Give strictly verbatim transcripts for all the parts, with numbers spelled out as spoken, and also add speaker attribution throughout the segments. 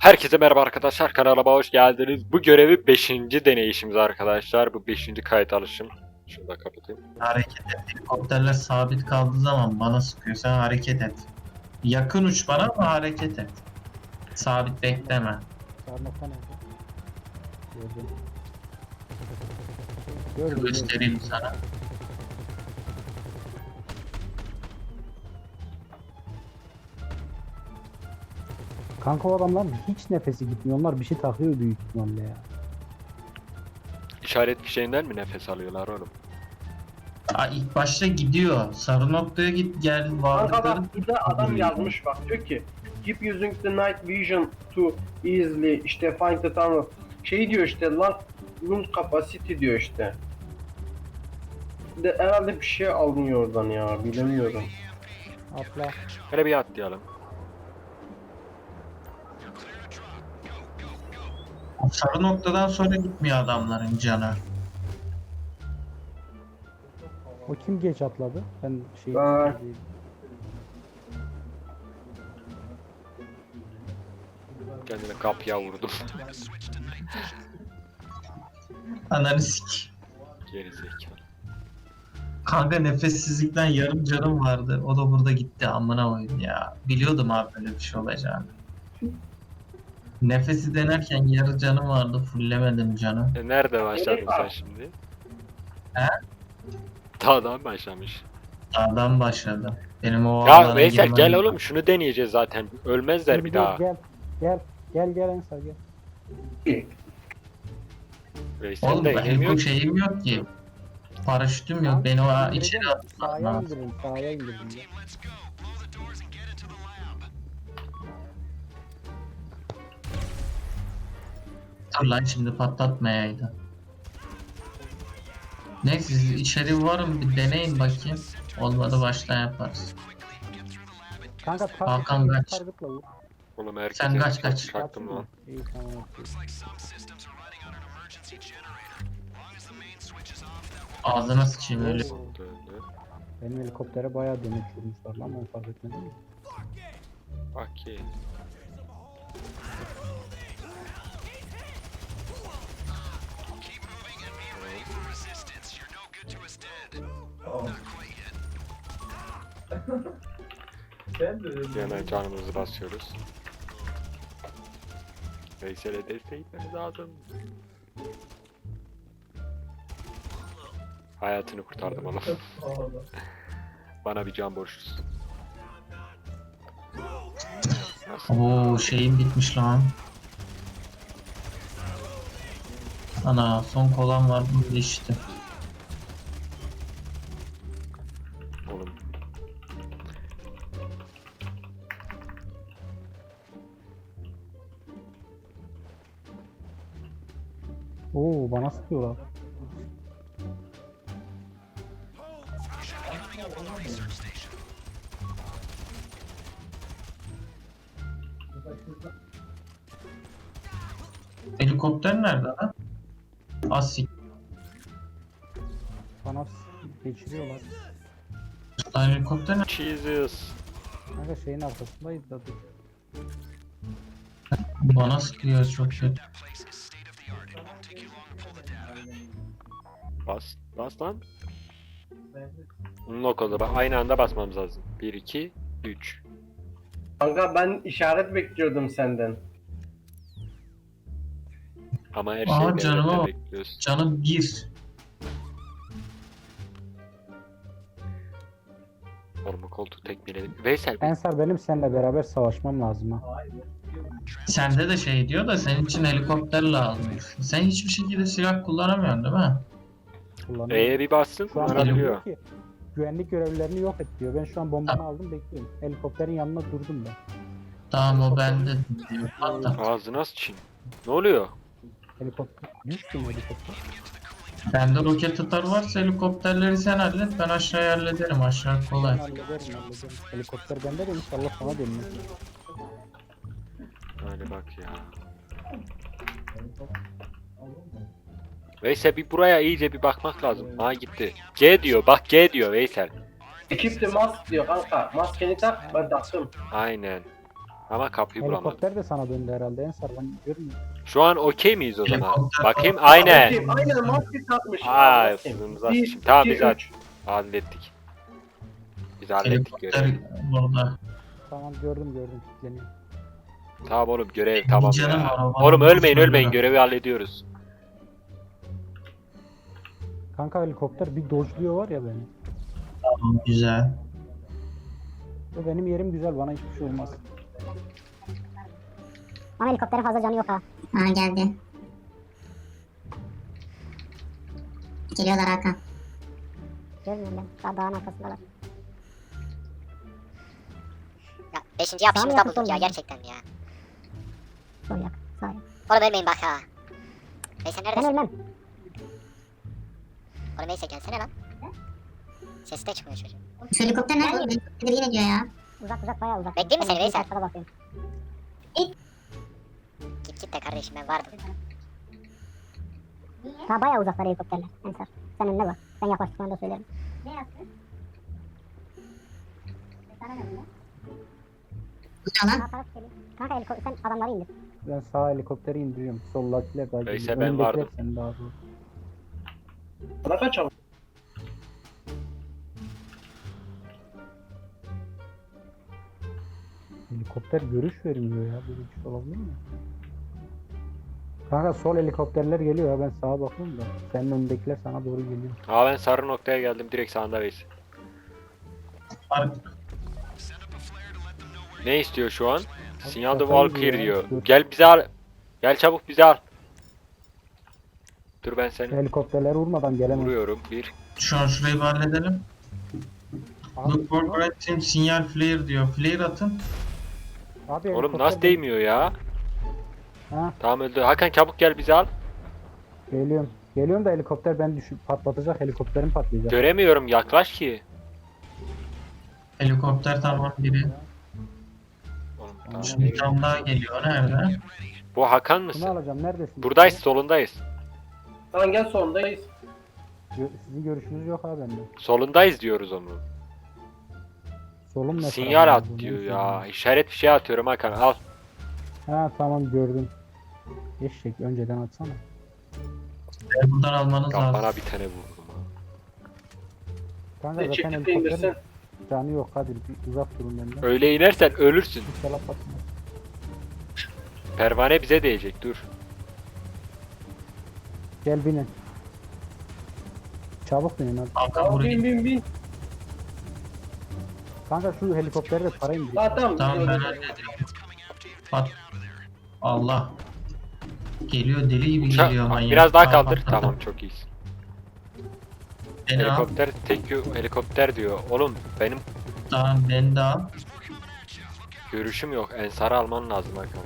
Speaker 1: Herkese merhaba arkadaşlar, kanalıma hoş geldiniz. Bu görevi beşinci deneyişimiz arkadaşlar. Bu beşinci kayıt alışım. Şunu da kapatayım.
Speaker 2: Hareket et. Helikopterler sabit kaldığı zaman bana sıkıyor. Sen hareket et. Yakın uç bana ama hareket et. Sabit bekleme.
Speaker 3: Sarmakta nerede? Gördüm. Gördüm.
Speaker 2: Göstereyim sana.
Speaker 3: Kanka o adamların hiç nefesi gitmiyor. Onlar bir şey takıyor büyük ihtimalle ya.
Speaker 1: İşaret fişeğinden mi nefes alıyorlar oğlum?
Speaker 2: Aa, ilk başta gidiyor. Sarı noktaya git gel
Speaker 4: Kanka
Speaker 2: varlıkları.
Speaker 4: bak burada adam yazmış bak diyor ki keep using the night vision to easily işte find the tunnel şey diyor işte lock room capacity diyor işte. De herhalde bir şey alınıyor oradan ya bilemiyorum.
Speaker 3: Atla.
Speaker 1: Hele bir atlayalım.
Speaker 2: O sarı noktadan sonra gitmiyor adamların canı.
Speaker 3: O kim geç atladı? Ben şey...
Speaker 4: Ben.
Speaker 1: Kendime kapıya vurdum.
Speaker 2: Ananı sik.
Speaker 1: Geri zekalı.
Speaker 2: Kanka nefessizlikten yarım canım vardı. O da burada gitti amına koyayım ya. Biliyordum abi böyle bir şey olacağını. Nefesi denerken yarı canım vardı. Fullemedim canı.
Speaker 1: E nerede başladın sen şimdi?
Speaker 2: He?
Speaker 1: Dağdan başlamış.
Speaker 2: Dağdan başladım. Benim o
Speaker 1: Ya
Speaker 2: alana
Speaker 1: Veysel
Speaker 2: girmem-
Speaker 1: gel oğlum, şunu deneyeceğiz zaten. Ölmezler bir daha.
Speaker 3: Gel, gel, gel, gel Ensar gel.
Speaker 1: Veysel
Speaker 2: Oğlum
Speaker 1: de
Speaker 2: benim
Speaker 1: inemiyor
Speaker 2: bu
Speaker 1: ki.
Speaker 2: şeyim yok ki. Paraşütüm yok. Beni o içeri atman
Speaker 3: Sahaya
Speaker 2: lazım.
Speaker 3: indirin, sahaya indirin. ya.
Speaker 2: Dur lan şimdi patlatmayaydı. Neyse siz içeri varın bir deneyin bakayım. Olmadı baştan yaparız.
Speaker 3: Kanka tar
Speaker 2: Hakan kaç.
Speaker 3: targetla vur.
Speaker 1: Oğlum herkes
Speaker 2: Sen kaç, kaç.
Speaker 1: Kalktım lan.
Speaker 3: İyi tamam. okey.
Speaker 2: Ağzına sıçayım öyle.
Speaker 3: Oo,
Speaker 1: Döndü.
Speaker 3: Benim helikoptere bayağı demet vurmuşlar lan, onu fark etmedin mi?
Speaker 1: Okey. Hemen canımızı basıyoruz. Veysel'e desteği gitmemiz lazım. Hayatını kurtardım oğlum. Bana bir can borçlusun.
Speaker 2: Oo şeyim bitmiş lan. Ana son kolan var bunu geçti.
Speaker 1: Oğlum.
Speaker 3: Oo, bana sıkıyorlar.
Speaker 2: Helikopter nerede lan? Asik.
Speaker 3: Bana s- geçiriyorlar.
Speaker 2: Lan helikopter nerede?
Speaker 1: Jesus.
Speaker 3: Kanka şeyin arkasındayız da dur.
Speaker 2: Bana sıkıyor çok kötü.
Speaker 1: Bas. Bas lan. Unlock oldu. Bak aynı anda basmamız lazım. bir, iki, üç.
Speaker 4: Kanka ben işaret bekliyordum senden.
Speaker 1: Ama her
Speaker 2: Aa,
Speaker 1: şeyi
Speaker 2: canıma
Speaker 1: devletten
Speaker 2: bak.
Speaker 1: bekliyoruz.
Speaker 2: Canım bir.
Speaker 1: Formu koltuğu tekmeledim. Veysel bir
Speaker 3: Ensar, benim seninle beraber savaşmam lazım ha.
Speaker 2: Sende de şey diyor da senin için helikopter lazım. Sen hiçbir şekilde silah kullanamıyorsun değil mi?
Speaker 3: Kullanıyorum.
Speaker 1: E'ye bir bassın
Speaker 3: Şu an
Speaker 1: kullanabiliyor.
Speaker 3: diyor ki güvenlik görevlilerini yok et diyor. Ben şu an bombanı aldım, bekliyorum. Helikopterin yanına durdum ben.
Speaker 2: Tamam o bende diyor. Hatta
Speaker 1: Ağzına sıçayım. Ne oluyor?
Speaker 3: Helikopter. Düştüm helikopter.
Speaker 2: bende roket atar varsa helikopterleri sen hallet ben aşağıya hallederim aşağı
Speaker 3: Ben
Speaker 2: kolay.
Speaker 3: hallederim, hallederim. Helikopter bende de inşallah sana dönmez.
Speaker 1: Hadi bak ya. Veysel bir buraya iyice bir bakmak lazım. Ha gitti. G diyor. Bak G diyor Veysel.
Speaker 4: Ekip de mask diyor kanka. Maskeni tak ben taktım.
Speaker 1: Aynen. Ama kapıyı bulamadım.
Speaker 3: Helikopter de sana döndü herhalde Ensar, ben görmüyorum.
Speaker 1: Şu an okey miyiz o zaman?
Speaker 2: Helikopter-
Speaker 1: Bakayım aynen.
Speaker 4: Bakayım, aynen maske takmış.
Speaker 1: Aa,
Speaker 4: Bakayım.
Speaker 1: fırınımıza
Speaker 4: Bir,
Speaker 1: sıçayım. Tamam
Speaker 4: iki,
Speaker 1: biz hal-
Speaker 4: üç.
Speaker 1: hallettik. Biz hallettik
Speaker 2: Helikopter
Speaker 1: görevi.
Speaker 2: burada.
Speaker 3: Tamam gördüm gördüm, kilitleniyor.
Speaker 1: Tamam oğlum görev tamam
Speaker 2: Canım
Speaker 1: ya.
Speaker 2: var, o bana
Speaker 1: Oğlum ölmeyin
Speaker 2: boş ver
Speaker 1: ölmeyin
Speaker 2: ya.
Speaker 1: görevi hallediyoruz.
Speaker 3: Kanka helikopter bir dojluyor var ya beni.
Speaker 2: Tamam, güzel.
Speaker 3: Ve benim yerim güzel, bana hiçbir şey olmaz.
Speaker 5: Ama helikopterin fazla canı yok ha.
Speaker 6: Ha geldi. Geliyorlar Hakan.
Speaker 5: Görmüyorum ben. Daha dağın arkasındalar.
Speaker 7: Ya beşinci yapışımızda
Speaker 5: yakın
Speaker 7: bulduk ya
Speaker 5: solda.
Speaker 7: gerçekten ya.
Speaker 5: Sol yak. Sağ yak.
Speaker 7: Oğlum ölmeyin bak ha. Neyse
Speaker 5: Ben
Speaker 7: neredesin?
Speaker 5: ölmem.
Speaker 7: Oğlum neyse gelsene lan. Sesi de çıkmıyor çocuğun.
Speaker 6: Şu helikopter nerede? Helikopter yine diyor ya.
Speaker 5: Uzak uzak bayağı uzak.
Speaker 7: Bekleyeyim mi seni
Speaker 5: Ben
Speaker 7: Veysel?
Speaker 5: arkada bakıyorum.
Speaker 7: Git git de kardeşim ben vardım.
Speaker 5: Daha bayağı uzaklar helikopterler. Ensar. Sen önüne bak. Ben yaklaştıklarında söylerim.
Speaker 6: Bu ne lan?
Speaker 5: Sağ taraf geliyor. Kanka helikopter sen adamları indir.
Speaker 3: Ben sağ helikopteri indiriyorum. Soldakiler daha
Speaker 1: Neyse,
Speaker 3: geliyor.
Speaker 1: ben
Speaker 3: Önündekiler
Speaker 1: vardım.
Speaker 3: sen daha doğru.
Speaker 4: Bana kaç al?
Speaker 3: Helikopter görüş vermiyor ya. Böyle bir şey olabilir mi? Kanka sol helikopterler geliyor ya, ben sağa bakıyorum da. Senin önündekiler sana doğru geliyor.
Speaker 1: Aa ben sarı noktaya geldim direkt sağında Veys.
Speaker 2: Ar-
Speaker 1: Ne istiyor şu an? Sinyal the
Speaker 3: kafayı
Speaker 1: wall clear
Speaker 3: ya,
Speaker 1: diyor.
Speaker 3: dur.
Speaker 1: Gel bizi al. Gel çabuk bizi al. Dur ben seni
Speaker 3: Helikopterler vurmadan gelemez.
Speaker 1: vuruyorum. Bir.
Speaker 2: Şu an şurayı bir halledelim.
Speaker 3: Abi,
Speaker 2: Look for bright team sinyal flare diyor. Flare atın.
Speaker 3: abi
Speaker 1: Oğlum
Speaker 3: helikopter
Speaker 1: nasıl değmiyor ya?
Speaker 3: Ha,
Speaker 1: Tamam öldü. Hakan çabuk gel bizi al.
Speaker 3: geliyorum. Geliyorum da helikopter ben düşüp patlatacak, helikopterim patlayacak.
Speaker 1: Göremiyorum yaklaş ki.
Speaker 2: Helikopter tamam biri.
Speaker 1: Oğlum, tamam.
Speaker 2: Şimdi bir tane daha geliyor. Nerede?
Speaker 1: Bu Hakan
Speaker 3: Bunu
Speaker 1: mısın?
Speaker 3: alacağım, neredesin?
Speaker 1: Buradayız solundayız.
Speaker 4: Tamam gel sondayız.
Speaker 3: Gö- Sizin görüşünüz yok abi bende.
Speaker 1: Solundayız diyoruz onu.
Speaker 3: Solum ne
Speaker 1: Sinyal
Speaker 3: tarafta
Speaker 1: at
Speaker 3: olduğunu
Speaker 1: diyor
Speaker 3: bilmiyorum.
Speaker 1: ya. İşaret bir şey atıyorum Hakan al.
Speaker 3: Ha tamam gördüm. Eşek önceden atsana.
Speaker 2: Buradan almanız
Speaker 1: Hakan
Speaker 2: lazım.
Speaker 1: bana bir tane vurdum ha.
Speaker 3: Kanka
Speaker 4: Ne
Speaker 3: zaten
Speaker 4: çekti
Speaker 3: helikopterin
Speaker 4: indirsin.
Speaker 3: canı yok, hadi bir uzak durun benden.
Speaker 1: Öyle inersen ölürsün.
Speaker 3: İnşallah patlamaz.
Speaker 1: Pervane bize değecek dur.
Speaker 3: Gel binin. Çabuk binin hadi.
Speaker 2: Hakan
Speaker 4: Tamam bin
Speaker 2: burayı.
Speaker 4: bin bin.
Speaker 3: Kanka şu helikoptere de para indir.
Speaker 4: Ha tamam.
Speaker 2: Tamam ben
Speaker 4: gidiyoruz.
Speaker 2: hallediyorum. Bak. Allah. Geliyor deli gibi
Speaker 1: Uça-
Speaker 2: geliyor manyak.
Speaker 1: Biraz daha
Speaker 2: Tamam,
Speaker 1: kaldır.
Speaker 2: tamam.
Speaker 1: Tamam çok iyisin.
Speaker 2: Beni al.
Speaker 1: Helikopter tek yo- helikopter diyor. Oğlum benim
Speaker 2: Tamam beni de al.
Speaker 1: görüşüm yok. Ensar'ı alman lazım Hakan.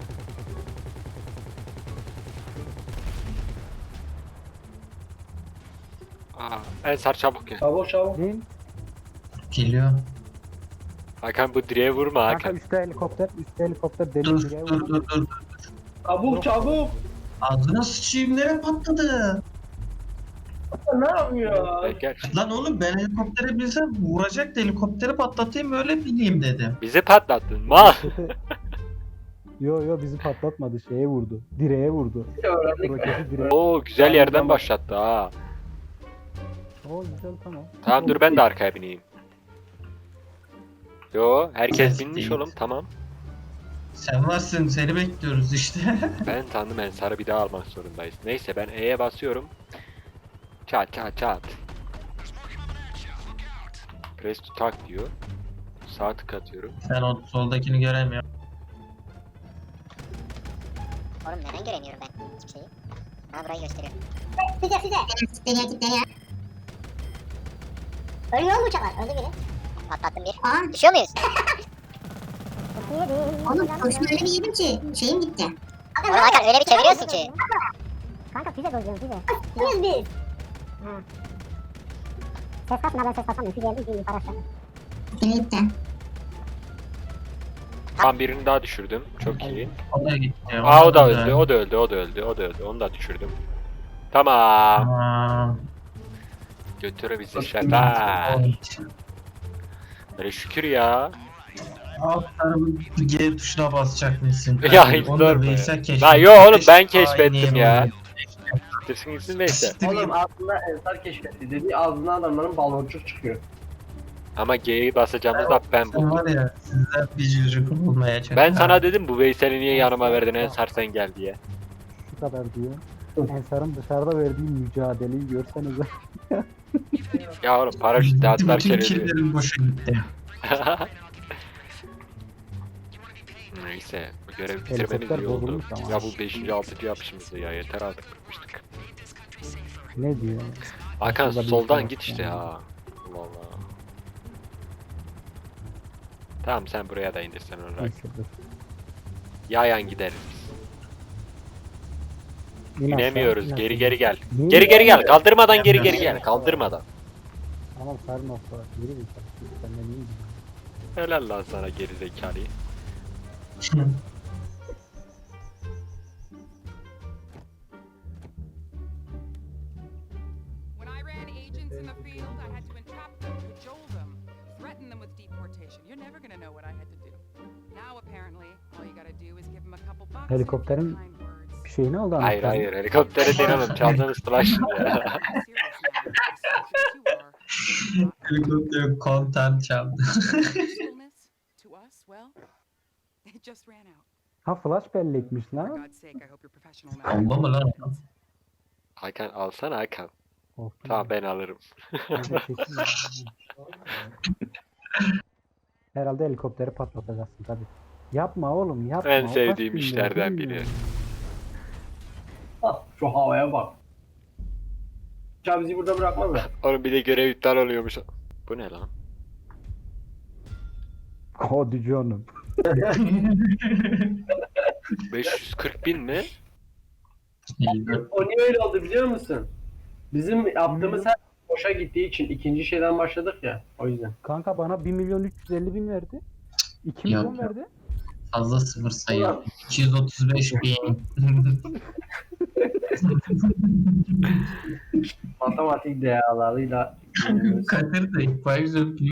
Speaker 1: Aa, Ensar çabuk gel.
Speaker 4: Çabuk çabuk.
Speaker 3: Bin.
Speaker 2: Geliyor.
Speaker 1: Hakan bu direğe vurma
Speaker 3: Kanka
Speaker 1: Hakan.
Speaker 3: üstte helikopter, üstte helikopter deli
Speaker 2: Dur
Speaker 3: direğe
Speaker 2: dur
Speaker 3: vurdu.
Speaker 2: dur dur.
Speaker 4: Çabuk çabuk.
Speaker 2: Ağzına sıçayım nereye patladı?
Speaker 4: Ne yapıyor?
Speaker 1: Gel, gel.
Speaker 2: Lan oğlum ben helikoptere binsem vuracak da helikopteri patlatayım öyle bineyim dedim.
Speaker 1: Bizi patlattın. Mal.
Speaker 3: Yo yo bizi patlatmadı, şeye vurdu. Direğe vurdu.
Speaker 4: Öğrendik.
Speaker 3: Roketi direğe.
Speaker 1: Oo güzel yerden başlattı ha.
Speaker 3: Oo güzel tamam.
Speaker 1: Tamam dur ben de arkaya bineyim. Yo herkes
Speaker 2: Ses
Speaker 1: binmiş
Speaker 2: değil.
Speaker 1: oğlum tamam.
Speaker 2: Sen varsın seni bekliyoruz işte.
Speaker 1: Ben tanıdım Ensar'ı bir daha almak zorundayız. Neyse ben E'ye basıyorum. Çat çat çat. Press to talk diyor. Sağ tık atıyorum.
Speaker 2: Ben o soldakini göremiyorum.
Speaker 7: Oğlum neden göremiyorum ben hiçbir şeyi? Ha burayı gösteriyor.
Speaker 6: Füze füze. Kitleniyor kitleniyor.
Speaker 5: Ölüyor mu uçaklar? Öldü biri.
Speaker 7: Patlattım bir.
Speaker 6: Aa
Speaker 7: Düşüyor muyuz?
Speaker 6: oğlum kurşun öyle bir yedim ki şeyim gitti.
Speaker 7: Oğlum Hakan öyle bir çeviriyorsun ki.
Speaker 5: Kanka füze dojluyorum füze. Füze biz. Ha. Ses kasma, ben ses kasamıyorum. Füzeye bir yukarı aşağı.
Speaker 6: Yine gitti.
Speaker 1: Tam birini daha düşürdüm. Çok iyi.
Speaker 2: O da gitti.
Speaker 1: Aa o da
Speaker 2: güzel.
Speaker 1: öldü, o da öldü, o da öldü, o da öldü. Onu da düşürdüm. Tamam.
Speaker 2: Tamam.
Speaker 1: Götür bizi şata. Böyle şükür ya.
Speaker 2: Alt tarafın G tuşuna basacak mısın?
Speaker 1: Ya hiç
Speaker 2: Onu da
Speaker 1: sorma ya.
Speaker 2: Veysel keşfetti.
Speaker 1: La yo oğlum ben
Speaker 2: Keşke
Speaker 1: keşfettim
Speaker 2: aynı
Speaker 1: ya.
Speaker 2: yere
Speaker 1: Tırsın gitsin neyse.
Speaker 2: Siktir
Speaker 4: Oğlum
Speaker 2: git.
Speaker 4: aslında Ensar keşfetti dedi. Ağzına adamların baloncuk çıkıyor.
Speaker 1: Ama G'yi basacağımızda ben
Speaker 2: Sen
Speaker 1: buldum.
Speaker 2: var ya sizler bir çocuk olmayacak.
Speaker 1: Ben
Speaker 2: Ha.
Speaker 1: sana dedim bu Veysel'i niye yanıma verdin Ensar sen gel diye.
Speaker 3: Şu kadar diyor. Ensar'ın dışarıda verdiği mücadeleyi görsenize.
Speaker 1: Ya oğlum paraşütle atlar
Speaker 2: Bütün
Speaker 1: keledi.
Speaker 2: killerim boşa gitti.
Speaker 1: Neyse bu görevi bitirmemiz
Speaker 3: Helikopter
Speaker 1: iyi oldu.
Speaker 3: bozulmuş ama.
Speaker 1: Ya bu beşinci altıncı yapışımızdı ya yeter artık bıkmıştık.
Speaker 3: Ne diyor?
Speaker 1: Hakan
Speaker 3: Şurada bir
Speaker 1: soldan
Speaker 3: şey
Speaker 1: git
Speaker 3: var
Speaker 1: işte
Speaker 3: yani.
Speaker 1: ya. Allah Allah. Tamam sen buraya da indirsen olarak.
Speaker 3: Neyse dur.
Speaker 1: Yayan gideriz biz.
Speaker 3: İn aşağı,
Speaker 1: İnemiyoruz
Speaker 3: in
Speaker 1: geri
Speaker 3: aşağı.
Speaker 1: geri gel.
Speaker 3: Niye
Speaker 1: Geri geri gel kaldırmadan geri geri
Speaker 2: Yemiyoruz.
Speaker 1: gel kaldırmadan.
Speaker 3: Tamam sarma sonra. Yürü bir tane. Sen de niye gidiyorsun?
Speaker 1: Helal lan sana geri zekalıyı.
Speaker 8: When I ran agents in the field, I had to entrap them, cajole them, threaten them with deportation. You're never gonna know what I had to do. Now apparently, all you gotta do is give them a couple bucks. and
Speaker 3: Helikopterin
Speaker 8: kind words.
Speaker 3: bir şey ne oldu
Speaker 1: Hayır
Speaker 3: anahtarın?
Speaker 1: hayır helikoptere değil oğlum çaldığınız flash ya.
Speaker 8: I'm serious now. As stupid as you are.
Speaker 2: Helikopter kontan çaldı.
Speaker 8: Usefulness to us, well, it just ran out.
Speaker 3: Ha flash bellekmiş
Speaker 8: For
Speaker 3: lan.
Speaker 8: God's sake, I hope you're professional now.
Speaker 2: Bomba mı lan?
Speaker 1: Hakan alsana Hakan.
Speaker 3: Korktum
Speaker 1: Tamam
Speaker 3: ya.
Speaker 1: ben alırım.
Speaker 3: Ben de çekeyim ya. Herhalde helikopteri patlatacaksın tabi. Yapma oğlum yapma.
Speaker 1: En
Speaker 3: o kaç
Speaker 1: sevdiğim
Speaker 3: bin lira,
Speaker 1: işlerden
Speaker 3: bilmiyorum.
Speaker 1: biri.
Speaker 4: Ah, şu havaya bak. Ya bizi burada bırakmaz mı?
Speaker 1: Oğlum bir de görev iptal oluyormuş. Bu ne lan?
Speaker 3: Hadi canım.
Speaker 1: beş yüz kırk bin mi?
Speaker 4: O niye öyle oldu biliyor musun? Bizim yaptığımız her boşa gittiği için ikinci şeyden başladık ya. O yüzden.
Speaker 3: Kanka bana bir milyon üç yüz elli bin verdi. iki
Speaker 2: Yok,
Speaker 3: milyon
Speaker 2: yok.
Speaker 3: verdi.
Speaker 2: Fazla sıfır sayıyor. iki yüz otuz beş bin.
Speaker 4: Matematik değerleriyle
Speaker 2: Kadir de ilk